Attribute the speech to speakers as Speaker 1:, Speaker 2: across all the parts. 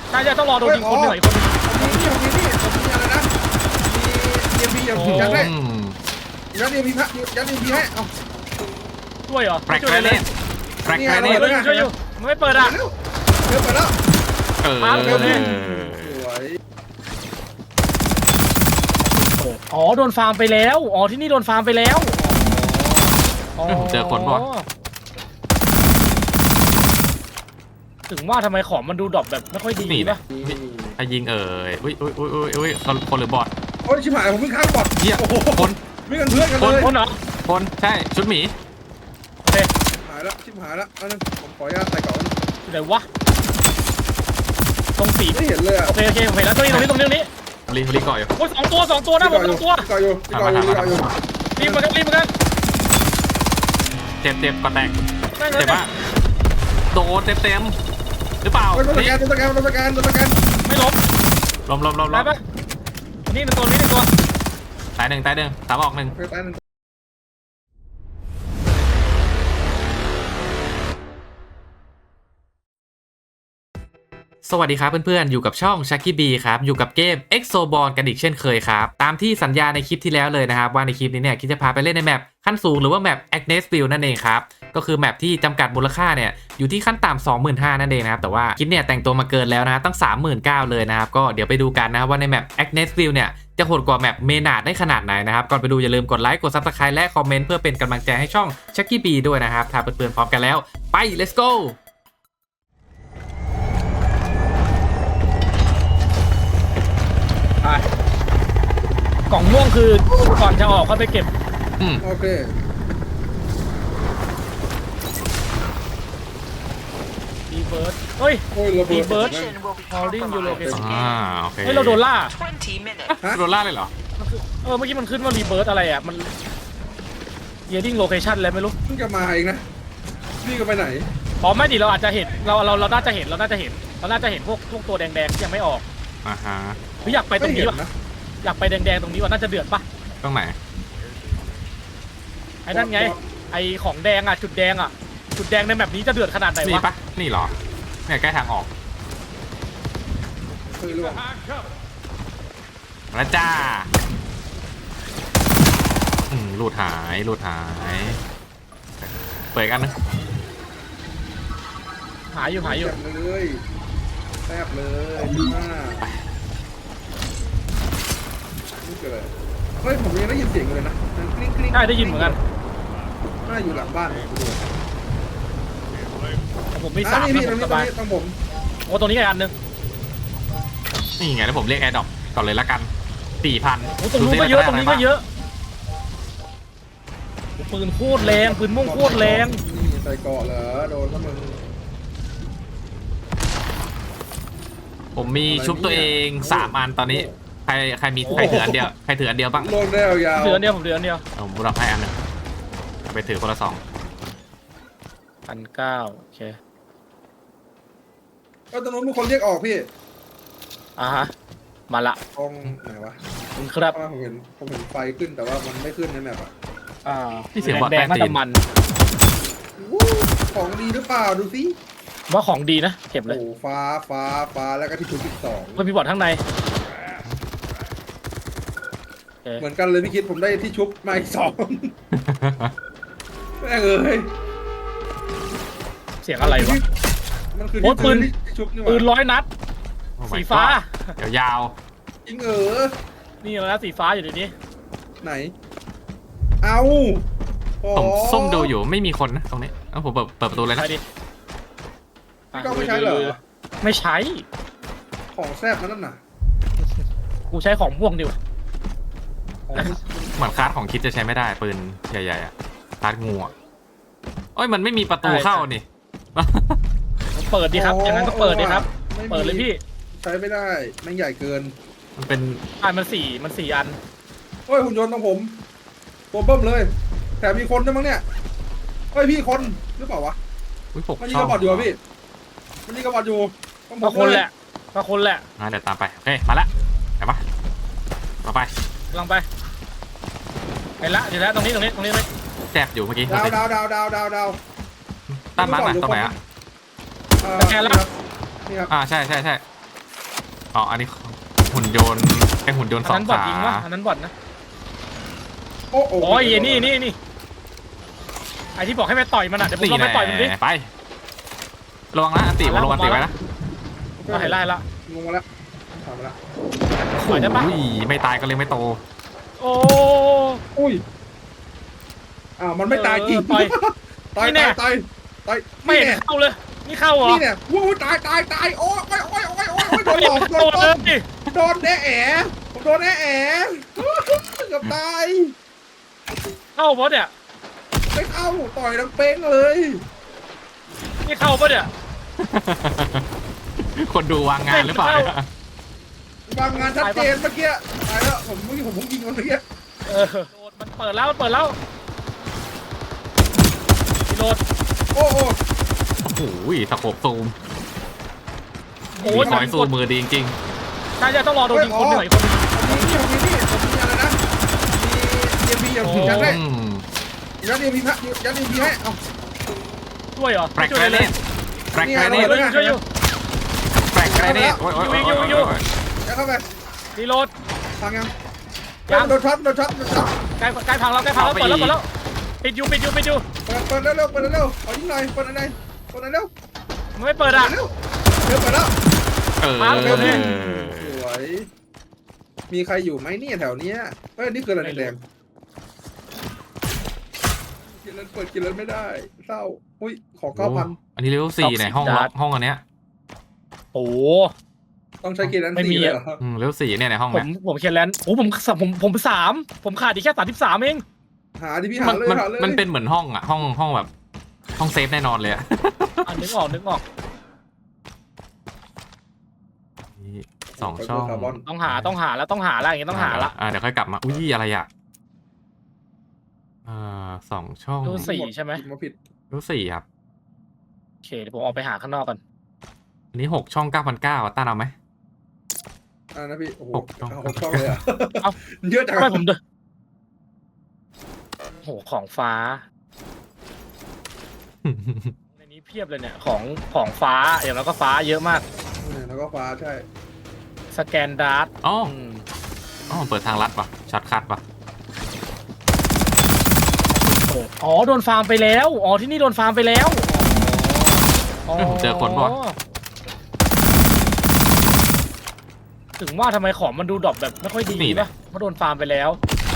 Speaker 1: ใช่ต้องรอโดนยิงคนหน่อยคนนึง
Speaker 2: ผมมีอะไรนะมีเอ็มพียัดให้ยัดเอ็มพีให้เอา
Speaker 1: ช่วยเหรอ
Speaker 3: แปลกเลยเนี่ยแปลกเลยเนี่ย
Speaker 1: ช่วยอยู่มันไม่เปิดอ่ะ
Speaker 2: เร็วไปแล้วสวย
Speaker 1: อ๋อโดนฟาร์มไปแล้วอ๋อที่นี่โดนฟาร์มไปแล้ว
Speaker 3: เจอคนป่ะ
Speaker 1: ถึงว่าทำไมของมันดูดรอปแบบไม่ค่อยดีป่ะ
Speaker 3: ถ้ายิงอุ้ยคนหรือบอท
Speaker 2: โอ้ยชิบหายผมวิ่งข้ามบอท
Speaker 3: เหี้ยคน
Speaker 2: วิ่งกันเพื่อนกันเลย
Speaker 1: คนเหรอ
Speaker 3: คนใช่ชุดหมี
Speaker 1: โอเค
Speaker 2: หายแล้วชิบหายแล้วอันนึงผมขออนุญาตใส่ก่อน
Speaker 1: ไหนวะตรงสี
Speaker 2: ไม่เห็นเลยอ่ะ
Speaker 1: โอเคผมเห็นแล้วตรงนี้
Speaker 3: รีก่อยอยู่
Speaker 1: โอ้ยสองตัวนะผม2 ตัว
Speaker 2: ก่อยอยู่
Speaker 1: รีบมากัน
Speaker 3: เจ็บก็แตกเจ็บว่าโดนเต็มหรือเปล่า
Speaker 2: ตัวสแกน
Speaker 1: ไม่ล้มได้ปะนี่1 ตัว
Speaker 3: ตายหนึ่งสามออกหนึ่งสวัสดีครับเพื่อนๆอยู่กับช่อง Chucky B ครับอยู่กับเกม Exoborn กันอีกเช่นเคยครับตามที่สัญญาในคลิปที่แล้วเลยนะครับว่าในคลิปนี้เนี่ยคิดจะพาไปเล่นในแมปขั้นสูงหรือว่าแมป Agnesville นั่นเองครับก็คือแมปที่จำกัดมูลค่าเนี่ยอยู่ที่ขั้นต่ำ 25,000 นั่นเองนะครับแต่ว่าคิดเนี่ยแต่งตัวมาเกินแล้วนะตั้ง 39,000 เลยนะครับก็เดี๋ยวไปดูกันนะว่าในแมป Agnesville เนี่ยจะโหดกว่าแมปเมนาดได้ขนาดไหนนะครับก่อนไปดูอย่าลืมกดไลค์กด Subscribe และคอมเมนต์เพื่อเป็นกำลังใจให้ช่อง Chucky B ด้วยนะครับถ้าเพื่อนๆพร้อมกันแล้วไป let's go
Speaker 1: กล่องม่วงคือก่อนจะออกเขาไปเก็บ
Speaker 2: โอเค
Speaker 1: รีเบิร์ดเฮ้ยรีเบิร์ดฮอลดิ้งยูโรเกส
Speaker 3: โอเค
Speaker 1: เฮ้ยเราโดนล่า
Speaker 3: โดนล่าเลยเหรอ
Speaker 1: เมื่อกี้มันขึ้นว่ารีเบิร์ดอะไรอ่ะมันเยดิ้งโลเคชั่นอะไรไม่รู้
Speaker 2: เพิ่งจะมาเองนะนี่ก็ไปไหน
Speaker 1: อ๋อไม่ดิเราอาจจะเห็นเราน่าจะเห็นพวกตัวแดงๆที่ยังไม่ออกอยากไปตรงนี้วะอยากไปแดงๆตรงนี้ว่าน่าจะเดือดปะ
Speaker 3: ตรงไหน
Speaker 1: ไอ้นั่นไงไอ้ของแดงอ่ะจุดแดงในแบบนี้จะเดือดขนาดไหนวะ
Speaker 3: นี่ปะนี่หรอเนี่ยใกล้ทางออกมาจ้าหลุดหายเปิดกันนะ
Speaker 1: หายอยู่
Speaker 2: เลยแทบเลยเฮ้ยผมยังได้ยินเสียงเลยนะ
Speaker 1: ใช่ได้ยินเหมือนกัน
Speaker 2: น่าอยู่หลังบ้าน
Speaker 1: ผมมี3
Speaker 2: พี่สบายผม
Speaker 1: โอ้ตัวนี้อีกอันนึง
Speaker 3: นี่ไงแล้วผมเรียกแอร์ดรอปก่อนเลยละกัน 4,000
Speaker 1: โอ้ตรงนู้นก็เยอะปืนโคตรแรงปืนม่วงโคตรแรง
Speaker 2: ใส่เกาะเหรอโดนแล้วมึง
Speaker 3: ผมมีชุบตัวเอง3 อันตอนนี้ใครถืออันเดียวบ้าง
Speaker 2: โลดแล้วยาว
Speaker 1: ถืออันเดียวผม
Speaker 3: รับให้อันนึงไปถือคนละ2,900
Speaker 1: โอเค
Speaker 2: ก็ตอนนู้นมีคนเรียกออกพี่
Speaker 1: ฮะมาละ
Speaker 2: ตรงไหนวะ
Speaker 1: ครับ
Speaker 2: ผมเห็นไฟขึ้นแต่ว่ามันไม่ขึ้นในแมป
Speaker 3: ที่เสียงบอดแดง
Speaker 1: มัน
Speaker 2: ของดีหรือเปล่าดูสิ
Speaker 1: ว่าของดีนะเก็บเลย
Speaker 2: โอ้ฟ้าแล้วก็ที่ชุด12
Speaker 1: มันมีบอร์ดข้างใน
Speaker 2: เหมือนกันเลยพี่คิดผมได้ที่ชุบมาอีก2แม่ง
Speaker 1: เสียงอะไรวะ
Speaker 2: มันคือ
Speaker 1: ปืน100 นัดสีฟ้
Speaker 3: ายาว
Speaker 2: จริง
Speaker 1: นี่นะสีฟ้าอยู่ในนี้
Speaker 2: ไหนเอา
Speaker 3: ผมส้มดูอยู่ไม่มีคนนะตรงนี้ผมเปิดประตูเลยนะ
Speaker 2: พี่ก็ไม่ใช่เหรอ
Speaker 1: ไม่ใช้
Speaker 2: ของแซ่บนั่นน่ะ
Speaker 1: กูใช้ของม่วงดิว
Speaker 3: เหมือนคาร์ดของคิดจะใช้ไม่ได้ปืนใหญ่ๆคาร์ดงูโอ้ยมันไม่มีประตูเข้านี่
Speaker 1: เปิดดีครับอย่างนั้นก็เปิดดีครับเปิดเลยพี่
Speaker 2: ใช้ไม่ได้มันใหญ่เกิน
Speaker 3: มันเป็น
Speaker 1: มัน4 อัน
Speaker 2: เฮ้ยหุ่นยนต์ของผมตัวเบิ้มเลยแถมมีคนด้วยมั้งเนี่ยเฮ้ยพี่คนหรือเปล่าวะมันยิงกระบอกอยู่พี่มันยิงกระบอกอยู่
Speaker 1: ก็คนแหละเ
Speaker 3: ดี๋ยวตามไปโอเคมาละไปปะมาไป
Speaker 1: ลองไปละเดี๋ยวแล้วตรงนี้เลย
Speaker 3: แจบอยู่เมื่อกี้
Speaker 2: ดาว
Speaker 3: ตั้นมาตรงไหน
Speaker 1: แกแล้ว
Speaker 3: ใช่อ๋ออันนี้หุ่นยนต์ไอหุ่นยนต์ส
Speaker 1: อั
Speaker 3: อน ง
Speaker 1: นั้นบอด
Speaker 3: ขา
Speaker 1: ยิงวะอันนั้นบอดนะ
Speaker 2: โอ้โห
Speaker 1: โอ้ยนี่ไอที่บอกให้ไปต่อยมันอ่ะเดี๋ยวผมลองไปต่อยมันดิ
Speaker 3: ไประวังนะอันติผมลงอันติไว้นะ
Speaker 1: ก็เห็นไล่ละ
Speaker 2: ลงมาแล้วถามมาแล้ว
Speaker 1: ต่อยได้ปะ
Speaker 3: อุ้ยไม่ตายก็เลยไม่โต
Speaker 1: โอ้
Speaker 2: อุ้ยอ้าวมันไม่ตายจริง
Speaker 1: ต่อย
Speaker 2: ตาย
Speaker 1: นี่แน่
Speaker 2: ตายตาย
Speaker 1: ไม่เห็นเข้าเลยนี่เข้าเหรอ
Speaker 2: นี่เนี่ยวู้ตายโอ้ยโดนหลอกโด
Speaker 1: เข้าน เล
Speaker 2: ต้ม
Speaker 1: ย
Speaker 2: โดนแอะแอะผมโดนแอะแอะเกือบตาย
Speaker 1: เข้าปะเนี่ย
Speaker 2: ไม่เข้าต่อยดังเป้งเลย
Speaker 1: นี่เข้าปะเนี่ย
Speaker 3: คนดูวางงานหรือเปล่าเนี่ย
Speaker 2: บางงานชัดเจนเมื่อกี้ตายแล้วผมเพิ่งยิงมันเมื่อกี้
Speaker 1: โดดมันเปิดแล้วรีโหลด
Speaker 2: โอ้โห
Speaker 3: โอ้โหสโคปซูม
Speaker 1: โอ้
Speaker 3: มี
Speaker 1: ย
Speaker 3: คอยซูมมือดีจริง
Speaker 1: ใช่ต้องรอโดนยิงคนหน่อยคน
Speaker 2: ผมมีอะไรนะมีเอ็มพีอย่างยัดได้
Speaker 3: อืม
Speaker 2: ยัดเอ็มพียัดเอ็มพีให้เอา
Speaker 1: ช่วยเหรอ
Speaker 3: แฟลกแกรเนตแฟลกแกรเนต
Speaker 1: ช่วยอยู่
Speaker 3: แฟลกแกรเนตโอ้ย
Speaker 2: ยัดเข้าไป
Speaker 1: รีโหลด
Speaker 2: พังยังโดนช็อต
Speaker 1: ใกล้พังแล้วเปิดแล้วปิดอยู่
Speaker 2: เปิดเร็วขอยิงหน่อยเปิดอะไร
Speaker 1: มันไม่เปิดอ่ะ
Speaker 2: เร็วเปิดแล้ว
Speaker 3: เออ
Speaker 2: สวยมีใครอยู่ไหมเนี่ยแถวเนี้ยเฮ้ยนี่คืออะไรแดงกินแล้วเปิดกินแล้วไม่ได้เศร้าอุ้ยขอ 9,000
Speaker 3: อันนี้เลเวล4ในห้องอันเนี้ย
Speaker 1: โอ้
Speaker 2: ต้องใช้กินแล้ว4เลยเหรอ
Speaker 3: เลเวล4เนี่ยในห้อง
Speaker 1: ผ
Speaker 3: เนี้
Speaker 1: ม
Speaker 3: ย
Speaker 1: เขียนแลนด์โอ้ผม3ผมขาดอีกแค่33เอง
Speaker 2: หาที่พี่หาเลย
Speaker 3: มันเป็นเหมือนห้องอ่ะห้องแบบห้องเซฟแน่นอนเลยอ่ะ
Speaker 1: นึกออก
Speaker 3: 2 ช่อง
Speaker 1: ต้องหาแล้วอย่างเงี้ยต้องหาละ
Speaker 3: เดี๋ยวค่อยกลับมาอุ้ยอะไรอ่ะ2 ช่อง
Speaker 1: ดู4ใช่ไหม
Speaker 2: มาผิด
Speaker 3: เลเวล4ครับ
Speaker 1: โอเคเดี๋ยวผมออกไปหาข้างนอกกัน
Speaker 3: อันนี้6 ช่อง 9,900อ่ะต้านเอาไหม
Speaker 2: นะพี่โอ้โห
Speaker 3: 6 ช่อง
Speaker 2: 6 ช่องเลยอ่ะเยอะจัง
Speaker 1: ไม่ผมเดินโหของฟ้าในนี้เพียบเลยเนี่ยของฟ้าอย่างแล้วก็ฟ้าเยอะมาก
Speaker 2: แล้วก็ฟ้าใช่
Speaker 1: สแกนดาร์ท
Speaker 3: อ๋อเปิดทางลัดป่ะช็อตคัทป่ะ
Speaker 1: อ๋อโดนฟาร์มไปแล้วอ๋อที่นี่โดนฟาร์มไปแล้วอ๋อ
Speaker 3: เจอคนป่ะ
Speaker 1: ถึงว่าทำไมของมันดูดรอปแบบไม่ค่อยดีป่ะเพราะโดนฟาร์มไปแล้ว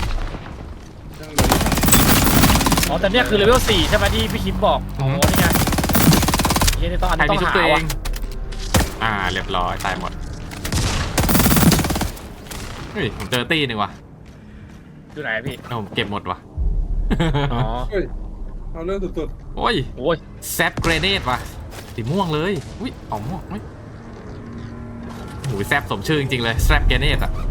Speaker 1: อ๋อแต่เนี่ยคือเลเวล4ใช่ไหมที่พี่คิมบอกอ๋อนี่ไงนี่ต้องอัน
Speaker 3: ใคร
Speaker 1: นี้ต้
Speaker 3: มี
Speaker 1: อง
Speaker 3: ชุด
Speaker 1: หา
Speaker 3: ตัวเอ
Speaker 1: ว่ะ
Speaker 3: งเรียบร้อยตายหมดเฮ้ยผมเจอตีหนึ่งว่ะ
Speaker 1: อยู่ไหนพี่
Speaker 3: ผมเก็บหมดว่ะ
Speaker 1: อ๋อ
Speaker 2: เฮ้ยเอาเรื่องสุด
Speaker 3: โอ้ย
Speaker 1: โอ้ย
Speaker 3: แซปเกรเนตว่ะสีม่วงเลยอุ้ยออกม่วงเฮ้ยโอ้ยแซปสมชื่อจริงๆเลยแซปเกรเนตอ่ะ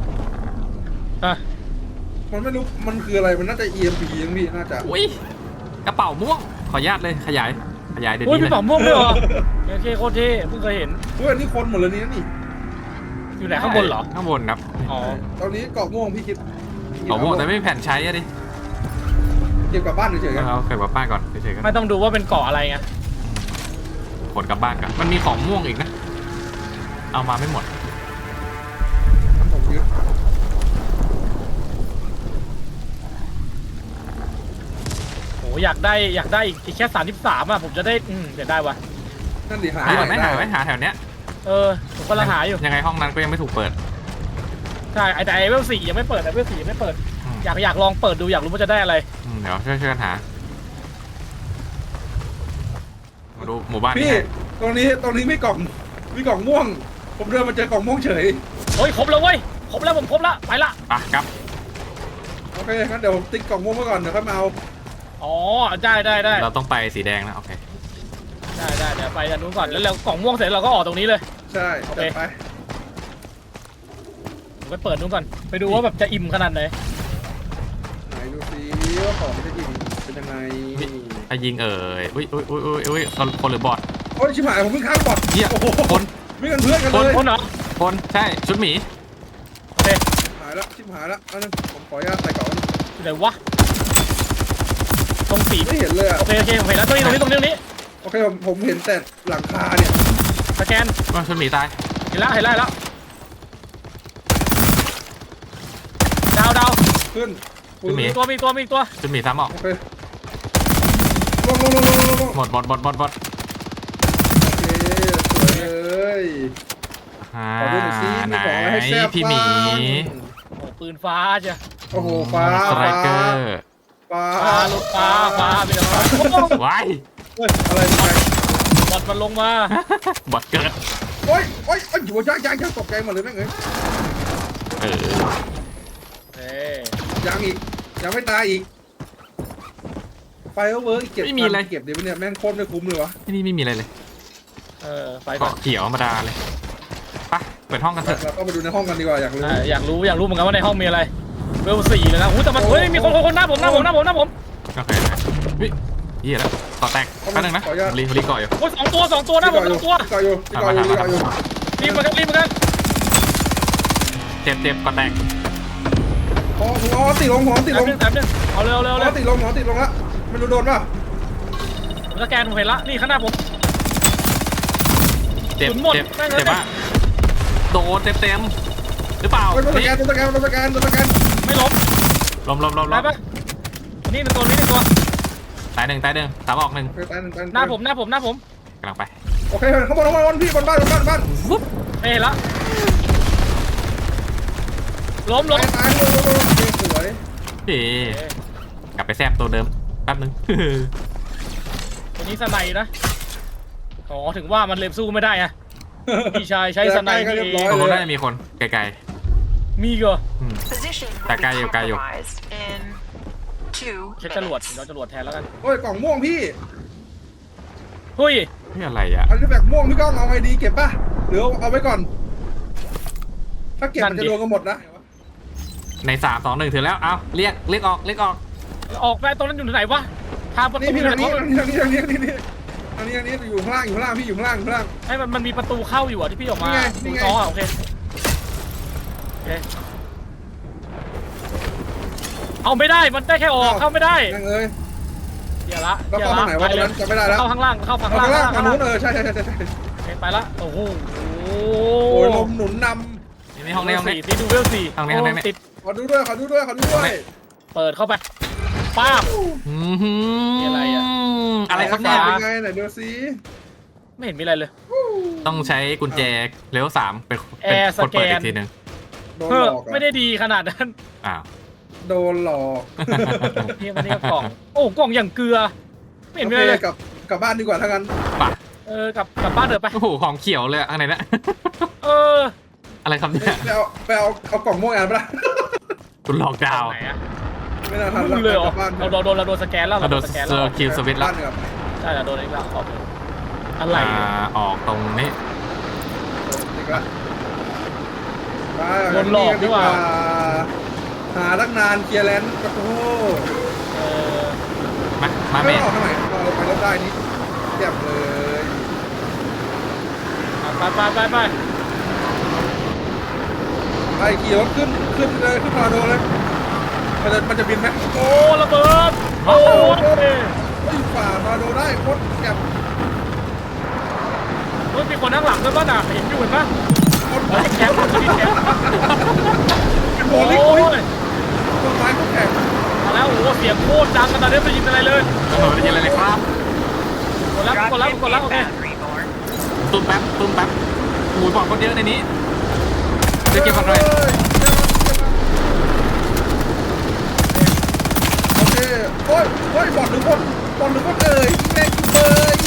Speaker 2: ๆมันไม่รู้มันคืออะไรมันน่าจะ EMP ยังพี่น่าจะ
Speaker 3: อุ้ยกระเป๋าม่วงขออนุญาตเลยขยายเดี๋ยว
Speaker 1: โอ้ย
Speaker 3: นี้
Speaker 1: พี่
Speaker 3: เลย
Speaker 1: ป๋อมม่วงด้วยเหรอโอเคโคตรเท่เพิ่งเคยเห็น
Speaker 2: เฮ้ยอันนี้คนหมดเลยนี่
Speaker 1: อยู่ไหนข้างบนเหรอ
Speaker 3: ข้างบนครับ
Speaker 1: อ๋อ
Speaker 2: ตอนนี้เกาะม่วงพี่คิด
Speaker 3: กระเป๋าม่วงแต่ไม่มีแผ่นใช้อะดิ
Speaker 2: เก็บกลับบ้านเฉยๆกัน
Speaker 3: เอาเก็บกลับบ้านก่อนเฉยๆกัน
Speaker 1: ไม่ต้องดูว่าเป็นเกาะอะไรไง
Speaker 3: ขนกลับบ้านก่อนมันมีของม่วงอีกนะเอามาไม่หมด
Speaker 2: ผมยึด
Speaker 1: โอ้อยากได้อีกแค่33อ่ะผมจะได้เดี๋ยวได้วะ
Speaker 2: นั่นดิหา
Speaker 3: หาไหมแถวเนี้ย
Speaker 1: ผมกำลังหาอยู่
Speaker 3: ยังไงห้องนั้นก็ยังไม่ถูกเปิด
Speaker 1: ใช่แต่ไอเวล4ยังไม่เปิดอยากลองเปิดดูอยากรู้ว่าจะได้อะไร
Speaker 3: เดี๋ยวช่วยกันหามาดูหมู่บ้าน
Speaker 2: พี่
Speaker 3: นี้
Speaker 2: ตรงนี้มีกล่องม่วง ผมเดินมาเจอกล่องม่วงเฉย
Speaker 1: โอ้ยครบแล้วเว้ยครบแล้วผมครบแล้วไปละ
Speaker 3: ไปครับ
Speaker 2: โอเคงั้นเดี๋ยวผมติ๊กกล่องม่วงไว้ก่อนเดี๋ยวค่อยมาเอา
Speaker 1: อ๋อได้
Speaker 3: เราต้องไปสีแดงนะโอเค
Speaker 1: ได้เดี๋ยวไปอันนู้นก่อนแล้วเรากล่องม่วงเสร็จเราก็ออกตรงนี้เลย
Speaker 2: ใช่
Speaker 1: โอเค
Speaker 2: จัดไป
Speaker 1: ผมไปเปิดนู้นก่อนไปดูว่าแบบจะอิ่มขนาดไหน
Speaker 2: ไหนดูซิว่าของมันจะยิงเป็นยังไง
Speaker 3: ถ้ายิงอุ้ยคนหรือบอท
Speaker 2: โอ้ยชิบหายผมเพิ่งข้ามบอด
Speaker 3: เหี้ย
Speaker 2: โอ้โห
Speaker 3: คน
Speaker 2: ไม่กันเพื่อนกัน
Speaker 1: คน
Speaker 2: เลย
Speaker 1: คนเหรอ
Speaker 3: คนใช่ชุดหมี
Speaker 1: โอเค
Speaker 2: หายแล้วชิบหายแล้วอันนึงผมขออนุญาตใส่กล่อง
Speaker 1: อยู่ไหนวะตรงสี
Speaker 2: ไม่เห็นเลยอ่ะ
Speaker 1: โอเคผมเห็นแล้วตรงนี้
Speaker 2: โอเคผมเห็นแต่หลังคาเนี่ย
Speaker 1: สแกน
Speaker 3: ชุดหมีตาย
Speaker 1: เห็นแล้วดาว
Speaker 2: ขึ้นปืน
Speaker 3: มี
Speaker 1: มีตัว
Speaker 3: จุดหมีซ้ำออก
Speaker 2: โอเคลง
Speaker 3: หมด
Speaker 2: โอเคสวยเลย
Speaker 3: อ่า
Speaker 2: ขอดูหน่อยซิ
Speaker 3: ไหน
Speaker 2: มีของอะไรให้แซ่บ
Speaker 3: พี่หมี
Speaker 2: บ้าง
Speaker 1: โอ้ปืนฟ้าจ้ะ
Speaker 2: โอ้โหฟ้า
Speaker 3: สไตรเกอร์
Speaker 2: ฟ้า
Speaker 1: ฟ้ามีแต่ฟ้า
Speaker 3: ว้าย
Speaker 2: เฮ้ยอะไรไป
Speaker 1: บอดมันลงมา
Speaker 3: บอดเกิด
Speaker 2: โอ้ยอยู่ยังตกใจหมดเลยแม่งเอ้ย
Speaker 3: เออ
Speaker 1: เอ้
Speaker 2: ยังอีกยังไม่ตายอีกไฟเวิร์กเก็บเก็บเดี๋ยวเนี่ยแม่งโคตรไม่คุ้มเลยวะ
Speaker 3: ที่นี่ไม่มีอะไรเลย
Speaker 1: ไปก่อน
Speaker 3: เกาะเขียวธรรมดาเลยไปเปิดห้องกันเถอะ
Speaker 2: เราก็ไปดูในห้องกันดีกว่าอยากรู้
Speaker 1: อยากรู้เหมือนกันว่าในห้องมีอะไรเวล4เลยนะแต่มันมีคนหน้าผม
Speaker 3: โอเคเฮ้ยเหี้ยแล้วต่อแตกแป๊บนึงนะรีก่ออยู่
Speaker 1: โอ้ย2 ตัวหน้าผม2 ตัว
Speaker 2: ก่ออยู่
Speaker 1: รีบมากัน
Speaker 3: เจ็บก่อแตก
Speaker 2: หัวติดลง
Speaker 1: แถมนึงเอาเร็ว
Speaker 2: หัวติดลงละไม่รู้โดนป่ะ
Speaker 1: สแกนผมเห็นละนี่ข้างหน้าผม
Speaker 3: เจ็บมากโดนเต็มหรือเปล่า
Speaker 2: โดนสแกน
Speaker 1: ไม่ล้ม
Speaker 3: ล้ม
Speaker 1: ไปปะนี่1 ตัว
Speaker 3: ตายหนึ่งสามออกหนึ่ง
Speaker 1: หน้าผม
Speaker 3: กำลังไป
Speaker 2: โอเคข้างบนพี่บนบ้าน
Speaker 1: ไม่เห็นละล้ม
Speaker 2: ตายสวย
Speaker 3: เฮ้กลับไปแซบตัวเดิมแป๊บนึง
Speaker 1: ตัวนี้สไนนะอ๋อถึงว่ามันเล็บสู้ไม่ได้อะพี่ชายใช้สไน
Speaker 3: ตรงนู้นน่าจะมีคนไกล
Speaker 1: มีเหรอ
Speaker 3: แต่ไกลอยู่
Speaker 1: ใช้จรวดเราจรวดแทนแล้วกัน
Speaker 2: โอ้ยกล่องม่วงพี่
Speaker 1: เฮ้ย
Speaker 3: นี่อะไรอ่ะ
Speaker 2: อันนี้แบบม่วงพี่ก้องเอาไงดีเก็บป่ะหรือเอาไว้ก่อน ถ้าเก็บมันจะโดนกันหมดนะ
Speaker 3: ใน3 2 1ถึงแล้วเอาเรียกออก
Speaker 1: ออกไปตรงนั้นอยู่ไหนวะทางประ
Speaker 2: นี่
Speaker 1: ตู
Speaker 2: พี่
Speaker 1: ไหน
Speaker 2: นี่
Speaker 1: วะ
Speaker 2: นี่อยู่ข้างล่างพี่อยู่ข้างล่าง
Speaker 1: ให้มันมีประตูเข้าอยู่อ่ะที่พี่ออกมา
Speaker 2: นี่ไง
Speaker 1: อ๋อโอเคเอาไม่ได้มันได้แค่ออกเข้าไม่ได้
Speaker 2: นั่งเอ้ย
Speaker 1: เดี๋ยวละ
Speaker 2: แล้วเข้าทางไหนวะตอนนั้นจำไม่ได้แล้ว
Speaker 1: เข้าข้างล่างเข้า
Speaker 2: ทา
Speaker 1: ข้าง งล่าง
Speaker 2: ล่างทางนู้นใช่
Speaker 1: ไปละโอ้โห
Speaker 2: โอ้ยลมหนุนน
Speaker 3: นี่ห้องนี้
Speaker 1: ติดดูเวล4
Speaker 3: ห้องนี้
Speaker 1: ติด
Speaker 2: ำขอดูด้วย
Speaker 1: เปิดเข้าไปป้าบ มีอะไรอะ
Speaker 3: อะไรครับเนี่ย
Speaker 2: เป็นไงไหนดูซิ
Speaker 1: ไม่เห็นมีอะไรเลย
Speaker 3: ต้องใช้กุญแจเลเวล3เป็น
Speaker 1: แอร์
Speaker 3: กดเปิด
Speaker 1: สแกน
Speaker 3: อีกทีนึง
Speaker 2: โดน
Speaker 1: เฮ้
Speaker 2: ห
Speaker 1: อ
Speaker 2: ลอก
Speaker 1: ไม่ได้ดีขนาดนั้น
Speaker 3: อ้าว
Speaker 2: โดนหลอก
Speaker 1: นี่มันนี่กล่องโอ้กล่องอย่างเกลือไม่เห็นมีอะไรเลย
Speaker 2: กลับบ้านดีกว่าถ้างั้น
Speaker 3: ป่ะ
Speaker 1: กลับบ้านเถอะไป
Speaker 3: โอ้โหของเขียวเลยข้างในนะ
Speaker 1: เออ
Speaker 3: อะไรครับเนี่ย
Speaker 2: ไปเอากล่องม่วงอ่านปะล่ะ
Speaker 3: คุณหลอกดาว
Speaker 1: ไหนอะ
Speaker 2: ไม่น่าทัน
Speaker 1: มึงเลยเหรอ
Speaker 2: บ้าน
Speaker 1: เราโดนสแกนแล้ว
Speaker 3: เราโดน
Speaker 1: สแกน
Speaker 3: เซ
Speaker 1: แล้
Speaker 3: อ
Speaker 1: ว
Speaker 3: ร์คิวสวิตช์แล้ว
Speaker 2: บ้านดีกว่า
Speaker 1: ใช่เราโดนอีกแล้วออกเลยอะไร
Speaker 3: ออกตรงนี้
Speaker 2: ดีกว่า
Speaker 1: โดนหลอกดีกว่า
Speaker 2: หาตั้งนานเคลียร์แลนด์โอ้โห
Speaker 1: เออ
Speaker 3: มาเม
Speaker 2: ไม่
Speaker 3: น
Speaker 2: ออกทางไหนเราไปรถได้นี่เรียบเลย
Speaker 1: ไป
Speaker 2: ไอ้ขี่รถขึ้นเลยขึ้นพาโดเลยมันจะบินไหม
Speaker 1: โอ้ระเบิดโอ้ย
Speaker 2: ฝ่าพาโดได้โคตรแก็บ
Speaker 1: เฮ้ยมีคนนั่งหลังด้วยป่ะน่ะเห็นอยู่เห็นป่ะ
Speaker 2: โคตร
Speaker 1: แคมป์มีแคมป์
Speaker 2: เป็นโบ
Speaker 1: โอ้
Speaker 2: ลิ่ง
Speaker 1: ย
Speaker 2: ต้นไม้โคตรแข็ง
Speaker 1: มาแล้วโอ้โหเสียงโคตรดังกันตอนนี้ไม่ได้ยินอะไรเลย
Speaker 3: โอ้โหได้ยินอะไรเลยครับ
Speaker 1: กดแล้วโอเค
Speaker 3: ตุ้มแป๊บโอ้ยบอกคนเยอะในนี้จะเก็บอะไร
Speaker 2: โอเคโอ้ยบอลหรือคนเอ่ยแม่งเลย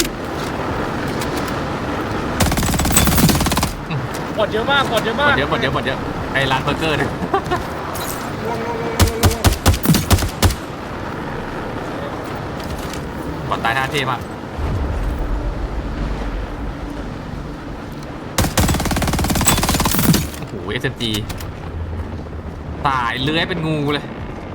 Speaker 1: กดเยอะมาก
Speaker 3: หมดเยอะไอ้ร้านเบอร์เกอร์เนี่ยกดตายท่าเทมากโอ้โห SMG ตายเลื้อยเป็นงูเลย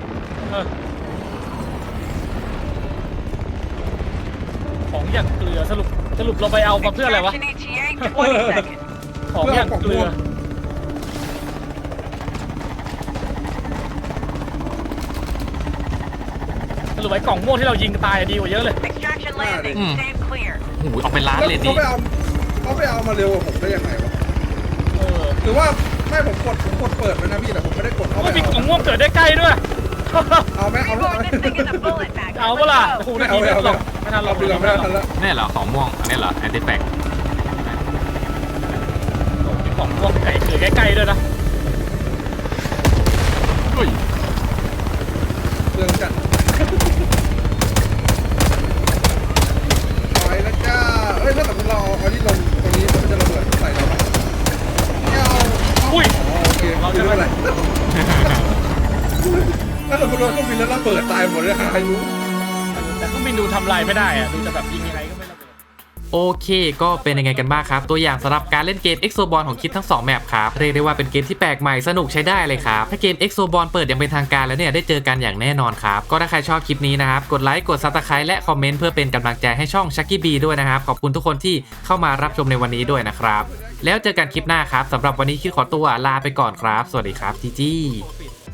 Speaker 1: ของอย่างเกลือสรุปเราไปเอามาเพื่ออะไรวะ ของอย่างเกลือสรุปไอ้กล่องม่วงที่เรายิงตายดีกว่าเยอะเลย
Speaker 3: โอ้โหเอาเป็นล้านเลยดิ
Speaker 2: เขาไปเอามาเร็วกว่าผมได้ยังไงวะ
Speaker 1: เออ
Speaker 2: หรือว่าไม่ผมกดเปิดมันนะพี่แต่ผมไม่ได้กดเข้าไป
Speaker 1: มันมีกล่องม่วงเกิดได้ใกล้ด้วย
Speaker 2: เอาไหมเอาไหม
Speaker 4: Record this thing in a bullet bag.
Speaker 1: เอาเปล่าโอ้โห
Speaker 2: ไม่
Speaker 1: นา
Speaker 2: เอา
Speaker 1: ที
Speaker 2: ไม่
Speaker 1: ไม่
Speaker 2: เอา
Speaker 1: หรอกไม่ทันหรอก
Speaker 2: เอาเรือไม่ทันแล้ว
Speaker 3: นี่เหรอของม่วงอันนี้เหรอแอนติแฟก
Speaker 1: มีกล่องม่วงไก่เกิดใกล้ๆด้วยนะ
Speaker 3: อุ้ย
Speaker 2: เรื่องจัดไปแล้วจ้าเอ้ยถ้าสมมติเราเอาที่ลงตรงนี้มันจะระเบิดใส่เราไหมไม่เอา
Speaker 1: อุ้ย
Speaker 2: โอเคเราจะไม่เป็นไรถ้าสมมติเราต้องบินแล้วระเบิดตายหมดเลยหาอายุ
Speaker 1: แต่เครื่องบินดูทำลายไม่ได้อะดูจะแบบยิงยังไงก็ไม่ระเบิด
Speaker 3: โอเคก็เป็นยังไงกันบ้างครับตัวอย่างสำหรับการเล่นเกม Exoball ของคิดทั้ง2แมปครับเรียกได้ว่าเป็นเกมที่แปลกใหม่สนุกใช้ได้เลยครับถ้าเกม Exoball เปิดอย่างเป็นทางการแล้วเนี่ยได้เจอกันอย่างแน่นอนครับก็ถ้าใครชอบคลิปนี้นะครับกดไลค์กด Subscribe และคอมเมนต์เพื่อเป็นกำลังใจให้ช่อง Chucky B ด้วยนะครับขอบคุณทุกคนที่เข้ามารับชมในวันนี้ด้วยนะครับแล้วเจอกันคลิปหน้าครับสำหรับวันนี้คิดขอตัวลาไปก่อนครับสวัสดีครับจีจี้